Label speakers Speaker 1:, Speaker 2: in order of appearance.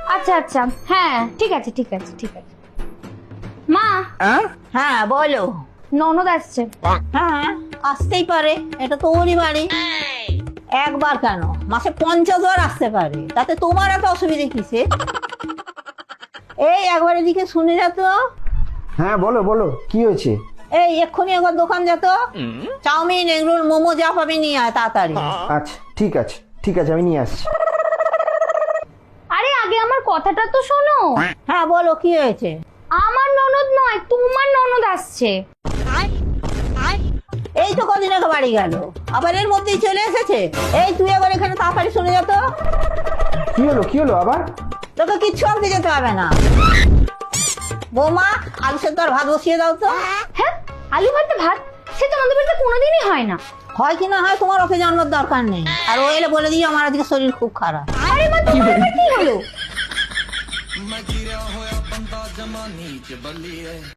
Speaker 1: আচ্ছা আচ্ছা, হ্যাঁ ঠিক আছে ঠিক আছে ঠিক আছে। মা,
Speaker 2: হ্যাঁ বলো।
Speaker 1: ননদ আসছে।
Speaker 2: হ্যাঁ আসতেই পারে, এটা তো ওরই বাড়ি। একবার কেন, মাসে 50 বার আসতে পারে, তাতে তোমার এত অসুবিধা কিসে? এই একবার এদিকে শুনে যা তো।
Speaker 3: হ্যাঁ বলো বলো, কি হয়েছে?
Speaker 2: এই এক্ষুনি একবার দোকান যেত, চাউমিন এগরোল মোমো যা পাবি নিয়ে আয় তাড়াতাড়ি।
Speaker 3: আচ্ছা ঠিক আছে ঠিক আছে, আমি নিয়ে আসছি।
Speaker 1: আরে আগে আমার কথাটা তো শোনো।
Speaker 2: হ্যাঁ বলো কি হয়েছে?
Speaker 1: আমার ননদ নয়, তোমার ননদ আসছে।
Speaker 2: এই তো কদিন আগে বাড়ি গেল, আবার এর মধ্যেই চলে এসেছে। এই তুই একবার এখানে তাড়াতাড়ি শুনে যা তো।
Speaker 3: কি হলো আবার?
Speaker 2: তোকে কিচ্ছু আনতে যেতে হবে না। বৌমা, আলু সেদ্ধ আর ভাত বসিয়ে দাও তো।
Speaker 1: হ্যাঁ, আলু ভাতে ভাত? সে তো আমাদের বাড়িতে কোনোদিনই হয় না।
Speaker 2: হয় কি না হয় তোমার ওকে জানানোর দরকার নেই, আর ও এলে বলে দিই আমার আজকে শরীর খুব খারাপ।
Speaker 1: আরে মা, তোমার আবার কি হলো?